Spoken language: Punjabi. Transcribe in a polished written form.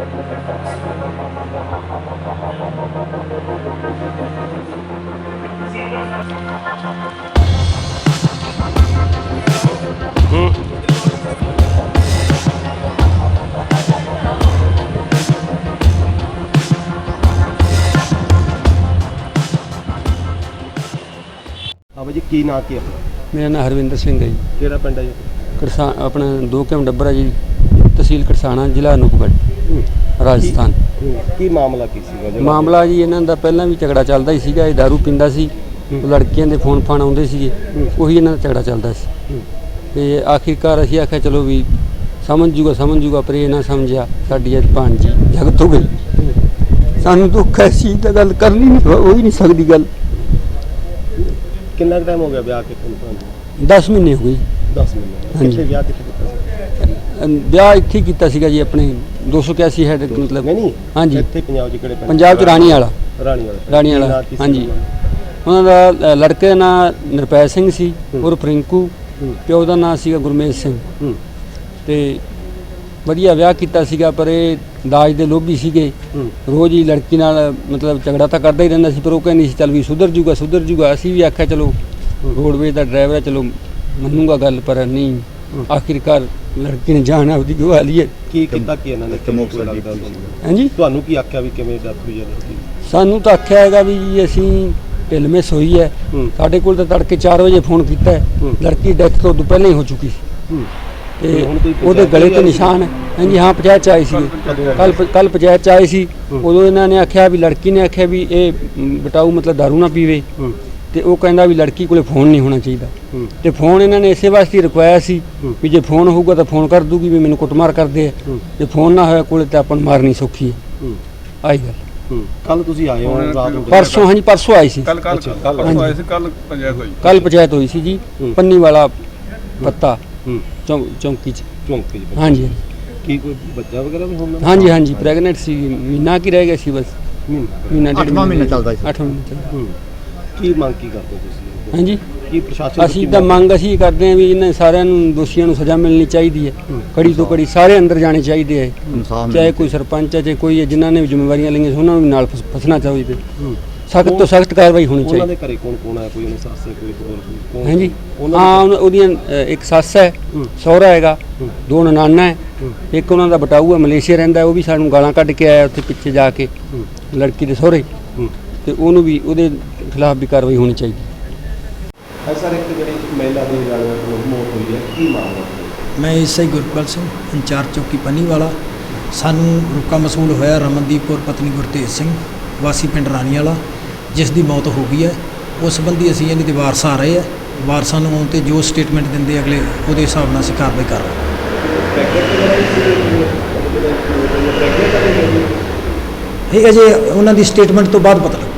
हाँ भाई जी की ना की मेरा नाम हरविंदर सिंह है जी। केड़ा पिंड है जी? करसा अपना 2 किलोमीटर डब्बरा जी, तहसील करसाना, ਜ਼ਿਲ੍ਹਾ ਅਨੂਪਗੜ੍ਹ, ਰਾਜਸਥਾਨ। ਕੀ ਮਾਮਲਾ ਕੀ ਸੀਗਾ ਜਿਹੜਾ ਮਾਮਲਾ ਜੀ ਇਹਨਾਂ ਦਾ ਪਹਿਲਾਂ ਵੀ ਝਗੜਾ ਚੱਲਦਾ ਹੀ ਸੀਗਾ। ਇਹ दारू ਪੀਂਦਾ ਸੀ, ਉਹ ਲੜਕੀਆਂ ਦੇ ਫੋਨ ਫਾਨ ਆਉਂਦੇ ਸੀਗੇ, ਉਹੀ ਇਹਨਾਂ ਦਾ ਝਗੜਾ ਚੱਲਦਾ ਸੀ। ਤੇ ਆਖਿਰਕਾਰ ਅਸੀਂ ਆਖਿਆ ਚਲੋ ਵੀ ਸਮਝ ਜੂਗਾ, ਪਰ ਇਹ ਨਾ ਸਮਝਿਆ। ਸਾਡੀ ਅੱਜ ਭਾਣਜੀ ਜਗਤ ਹੋ ਗਈ। ਸਾਨੂੰ ਦੁੱਖ ਹੈ, ਸੀ ਤਾਂ ਗੱਲ ਕਰਨੀ ਨਹੀਂ, ਹੋ ਹੀ ਨਹੀਂ ਸਕਦੀ ਗੱਲ। ਕਿੰਨਾ ਟਾਈਮ ਹੋ ਗਿਆ ਵਿਆਹ ਕੇ ਤੁਹਾਨੂੰ? 10 ਮਹੀਨੇ ਹੋ ਗਏ। 10 ਮਹੀਨੇ। ਹਾਂਜੀ। ਕਿੱਥੇ ਵਿਆਹ ਕਿੱਥੇ ਕੀਤਾ ਸੀ? ਵਿਆਹ ਇੱਥੇ ਕੀਤਾ ਸੀਗਾ ਜੀ, ਆਪਣੇ 281 ਹੈਡ ਮਤਲਬ। ਨਹੀਂ ਹਾਂਜੀ। ਇੱਥੇ ਪੰਜਾਬ 'ਚ ਕਿਹੜੇ ਪਿੰਡ? ਪੰਜਾਬ 'ਚ ਰਾਣੀ ਵਾਲਾ। ਰਾਣੀ ਵਾਲਾ ਹਾਂਜੀ। ਉਹਨਾਂ ਦਾ ਲੜਕੇ ਦਾ ਨਾਂ ਨਿਰਪੈ ਸਿੰਘ ਸੀ, ਉਰਫ ਰਿੰਕੂ। ਪਿਓ ਦਾ ਨਾਂ ਸੀਗਾ ਗੁਰਮੇਜ ਸਿੰਘ। ਤੇ ਵਧੀਆ ਵਿਆਹ ਕੀਤਾ ਸੀਗਾ, ਪਰ ਇਹ ਦਾਜ ਦੇ ਲੋਭੀ ਸੀਗੇ। ਰੋਜ਼ ਹੀ ਲੜਕੀ ਨਾਲ ਮਤਲਬ ਝਗੜਾ ਤਾਂ ਕਰਦਾ ਹੀ ਰਹਿੰਦਾ ਸੀ, ਪਰ ਉਹ ਕਹਿੰਦੀ ਸੀ ਚੱਲ ਵੀ ਸੁਧਰ ਜੂਗਾ। ਅਸੀਂ ਵੀ ਆਖਿਆ ਚਲੋ ਰੋਡਵੇਜ਼ ਦਾ ਡਰਾਈਵਰ ਹੈ, ਚਲੋ ਮੰਨੂਗਾ ਗੱਲ, ਪਰ ਨਹੀਂ। ਆਖਿਰਕਾਰ ਲੜਕੀ ਨੇ ਜਾਨ ਆਪਦੀ ਗਵਾ ਲਈ ਹੈ। ਕੀ ਕੀਤਾ ਕੀ ਇਹਨਾਂ ਨੇ? ਹਾਂਜੀ, ਤੁਹਾਨੂੰ ਕੀ ਆਖਿਆ ਵੀ ਕਿਵੇਂ ਡੈਥ ਹੋਈ ਹੈ ਲੜਕੀ? ਸਾਨੂੰ ਤਾਂ ਆਖਿਆ ਹੈਗਾ ਵੀ ਜੀ ਅਸੀਂ ਢਿੱਲ-ਮਿਸ ਹੋਈ ਹੈ। ਸਾਡੇ ਕੋਲ ਤਾਂ ਤੜਕੇ 4 ਵਜੇ ਫੋਨ ਕੀਤਾ ਹੈ। ਲੜਕੀ ਡੈਥ ਤੋਂ ਪਹਿਲਾਂ ਹੀ ਹੋ ਚੁੱਕੀ ਸੀ। ਤੇ ਉਹਦੇ ਗਲੇ ਤੇ ਨਿਸ਼ਾਨ ਹੈ। ਹਾਂਜੀ ਹਾਂ, ਪੰਚਾਇਤ 'ਚ ਆਏ ਸੀਗੇ ਕੱਲ ਪੰਚਾਇਤ 'ਚ ਆਏ ਸੀ। ਉਦੋਂ ਇਹਨਾਂ ਨੇ ਆਖਿਆ ਵੀ ਲੜਕੀ ਨੇ ਆਖਿਆ ਵੀ ਇਹ ਬਟਾਊ ਮਤਲਬ ਦਾਰੂ ਨਾ ਪੀਵੇ। ਤੇ ਉਹ ਕਹਿੰਦਾ ਵੀ ਲੜਕੀ ਕੋਲੇ ਫੋਨ ਨਹੀਂ ਹੋਣਾ ਚਾਹੀਦਾ। ਤੇ ਫੋਨ ਇਹਨਾਂ ਨੇ ਇਸੇ ਵਾਸਤੇ ਰੁਕਵਾਇਆ ਸੀ ਵੀ ਜੇ ਫੋਨ ਹੋਊਗਾ ਤਾਂ ਫੋਨ ਕਰ ਦੂਗੀ ਵੀ ਮੈਨੂੰ ਕੁੱਟਮਾਰ ਕਰਦੇ ਆ। ਜੇ ਫੋਨ ਨਾ ਹੋਇਆ ਕੋਲੇ ਤਾਂ ਆਪਾਂ ਨੂੰ ਮਾਰਨੀ ਸੌਖੀ ਹੈ। ਆਈ ਗੱਲ। ਕੱਲ ਤੁਸੀਂ ਆਏ ਹੋ ਰਾਤ ਨੂੰ? ਪਰਸੋਂ। ਹਾਂਜੀ, ਪਰਸੋਂ ਆਏ ਸੀ। ਕੱਲ ਆਏ ਸੀ। ਕੱਲ ਪੰਚਾਇਤ ਹੋਈ ਸੀ ਜੀ, ਪੰਨੀ ਵਾਲਾ ਪੱਤਾ ਚੌਂਕੀ 'ਚ। ਹਾਂਜੀ। ਕੀ ਕੋਈ ਬੱਚਾ ਵਗੈਰਾ ਵੀ ਹੋਣਾ? ਹਾਂਜੀ, ਪ੍ਰੈਗਨੈਂਟ ਸੀ। ਮਹੀਨਾ ਕੀ ਰਹਿ ਗਿਆ ਸੀ ਬਸ। ਮਹੀਨਾ 8ਵਾਂ ਮਹੀਨਾ ਚੱਲਦਾ ਸੀ। 8ਵਾਂ ਮਹੀਨਾ ਚੱਲਦਾ। ਕੀ ਮੰਗ ਕੀ ਕਰਦੇ ਤੁਸੀਂ? ਹਾਂਜੀ, ਕੀ ਪ੍ਰਸ਼ਾਸਨ? ਅਸੀਂ ਤਾਂ ਮੰਗ ਅਸੀਂ ਕਰਦੇ ਹਾਂ ਵੀ ਇਹਨਾਂ ਸਾਰਿਆਂ ਨੂੰ, ਦੋਸ਼ੀਆਂ ਨੂੰ ਸਜ਼ਾ ਮਿਲਣੀ ਚਾਹੀਦੀ ਹੈ। ਕੜੀ ਤੋਂ ਕੜੀ ਸਾਰੇ ਅੰਦਰ ਜਾਣੇ ਚਾਹੀਦੇ ਹੈ। ਚਾਹੇ ਕੋਈ ਸਰਪੰਚ ਹੈ, ਚਾਹੇ ਕੋਈ ਹੈ, ਜਿਨ੍ਹਾਂ ਨੇ ਵੀ ਜ਼ਿੰਮੇਵਾਰੀਆਂ ਲਈਆਂ ਸੀ ਉਹਨਾਂ ਨੂੰ ਨਾਲ ਫਸਣਾ ਚਾਹੀਦਾ। ਸਖਤ ਤੋਂ ਸਖਤ ਕਾਰਵਾਈ ਹੋਣੀ ਚਾਹੀਦੀ। ਉਹਨਾਂ ਦੇ ਘਰੇ ਕੌਣ ਹੈ? ਕੋਈ ਉਹਨੇ ਸੱਸ ਹੈ, ਕੋਈ ਹੋਰ ਕੋਈ? ਹਾਂਜੀ ਹਾਂ, ਉਹਦੀਆਂ ਇੱਕ ਸੱਸ ਹੈ, ਸਹੁਰਾ ਹੈਗਾ, 2 ਨਨਾਣਾ ਹੈ, ਇੱਕ ਉਹਨਾਂ ਦਾ ਬਟਾਊ ਹੈ, ਮਲੇਸ਼ੀਆ ਰਹਿੰਦਾ। ਉਹ ਵੀ ਸਾਨੂੰ ਗਾਲਾਂ ਕੱਢ ਕੇ ਆਇਆ ਉੱਥੇ ਪਿੱਛੇ ਜਾ ਕੇ ਲੜਕੀ ਦੇ ਸਹੁਰੇ। ਤੇ ਉਹਨੂੰ ਵੀ ਉਹਦੇ ਖਿਲਾਫ ਵੀ ਕਾਰਵਾਈ ਹੋਣੀ ਚਾਹੀਦੀ। ਸਰ, ਇੱਕ ਜਿਹੜੀ ਮਹਿਲਾ ਦੀ ਮੌਤ ਹੋਈ ਹੈ, ਕੀ ਮਾਮਲਾ? ਮੈਂ ਐਸਆਈ ਗੁਰਪਾਲ ਸਿੰਘ, ਇੰਚਾਰਜ ਚੌਕੀ ਪੰਨੀਵਾਲਾ। ਸਾਨੂੰ ਰੁਕਾ ਮਸੂਲ ਹੋਇਆ ਰਮਨਦੀਪ ਕੌਰ ਪਤਨੀ ਗੁਰਤੇਜ ਸਿੰਘ, ਵਾਸੀ ਪਿੰਡ ਰਾਣੀ ਵਾਲਾ, ਜਿਸ ਦੀ ਮੌਤ ਹੋ ਗਈ ਹੈ। ਉਸ ਸੰਬੰਧੀ ਅਸੀਂ ਇਹਨਾਂ ਦੇ ਵਾਰਸ ਆ ਰਹੇ ਆ। ਵਾਰਸਾਂ ਨੂੰ ਆਉਣ 'ਤੇ ਜੋ ਸਟੇਟਮੈਂਟ ਦਿੰਦੇ ਅਗਲੇ, ਉਹਦੇ ਹਿਸਾਬ ਨਾਲ ਅਸੀਂ ਕਾਰਵਾਈ ਕਰ ਰਹੇ ਹਾਂ। ਇਹ ਅਜੇ ਉਹਨਾਂ ਦੀ ਸਟੇਟਮੈਂਟ ਤੋਂ ਬਾਅਦ ਪਤਾ ਲੱਗਾ।